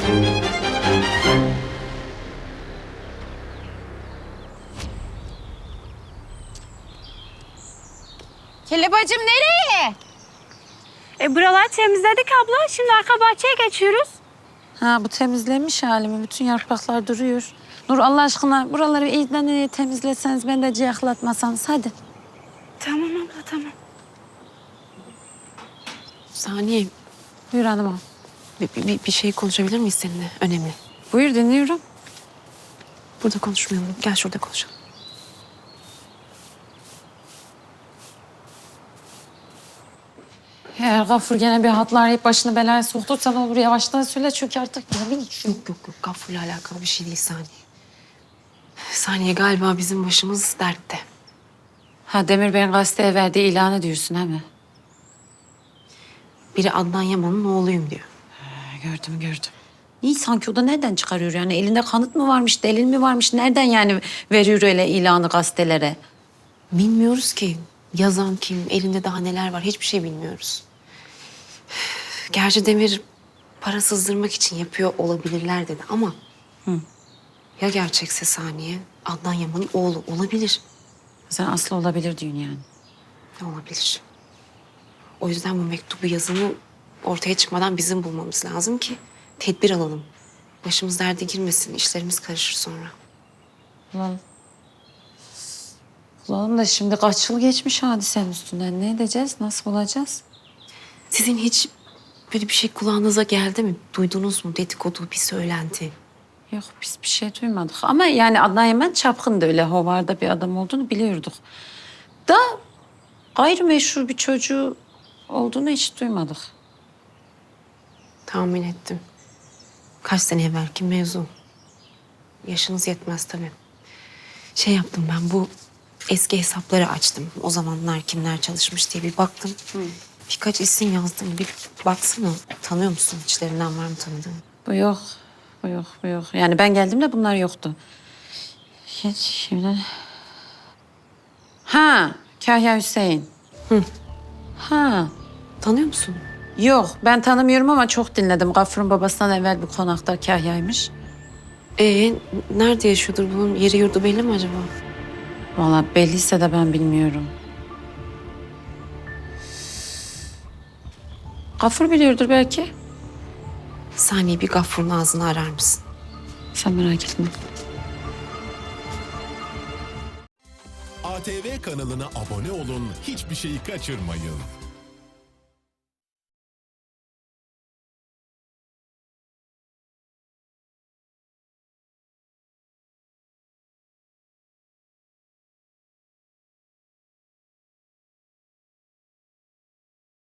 Kelebacım nereye? Buraları temizledik abla. Şimdi arka bahçeye geçiyoruz. Ha, bu temizlenmiş hali mi? Bütün yapraklar duruyor. Nur, Allah aşkına buraları iyiden temizleseniz, ben de ciyaklatmasanız hadi. Tamam abla, tamam. Saniye, Buyur hanımım. bir şey konuşabilir miyiz seninle? Önemli. Buyur, dinliyorum. Burada konuşmayalım. Gel şurada konuşalım. Eğer Gafur gene bir hatlar arayıp başını belaya soktuysa ne olur yavaştan söyle, çünkü artık yemin içiyor. Yok, Gafur'la alakalı bir şey değil Saniye. Saniye, galiba bizim başımız dertte. Ha, Demir Bey'in gazeteye verdiği ilanı diyorsun, he mi? Biri Adnan Yaman'ın oğluyum diyor. Gördüm. İyi, sanki o da nereden çıkarıyor yani? Elinde kanıt mı varmış, delil mi varmış? Nereden yani veriyor öyle ilanı gazetelere? Bilmiyoruz ki yazan kim, elinde daha neler var, hiçbir şey bilmiyoruz. Gerçi Demir para sızdırmak için yapıyor olabilirler dedi ama... Ya gerçekse Saniye, Adnan Yaman'ın oğlu olabilir. Sen aslı olabilir diyorsun yani. Ne olabilir? O yüzden bu mektubu yazımı ortaya çıkmadan bizim bulmamız lazım ki tedbir alalım. Başımız derde girmesin, işlerimiz karışır sonra. Ulan da şimdi kaç yıl geçmiş hadisenin üstünden. Ne edeceğiz? Nasıl bulacağız? Sizin hiç böyle bir şey kulağınıza geldi mi? Duydunuz mu? Dedikodu, bir söylenti. Yok, biz bir şey duymadık. Ama yani Adnan Yemen çapkındı, öyle hovarda bir adam olduğunu biliyorduk. Da gayrimeşru bir çocuğu olduğunu hiç duymadık. Tahmin ettim. Kaç sene evvelki mevzu. Yaşınız yetmez tabii. Şey yaptım ben, bu eski hesapları açtım. O zamanlar kimler çalışmış diye bir baktım. Birkaç isim yazdım. Bir baksana. Tanıyor musun? İçlerinden var mı tanıdığın? Bu yok. Yani ben geldiğimde bunlar yoktu. Hiç şimdi... Ha, Kahya Hüseyin. Ha, Tanıyor musun? yok ben tanımıyorum ama çok dinledim. Gafur'un babasından evvel bir konakta Kahya'ymış. Nerede yaşıyordur? Bunun yeri yurdu belli mi acaba? Vallahi belliyse de ben bilmiyorum. Gafur biliyordur belki. Saniye, bir Gaffur'un ağzını arar mısın? Sen merak etme. ATV kanalına abone olun, hiçbir şeyi kaçırmayın.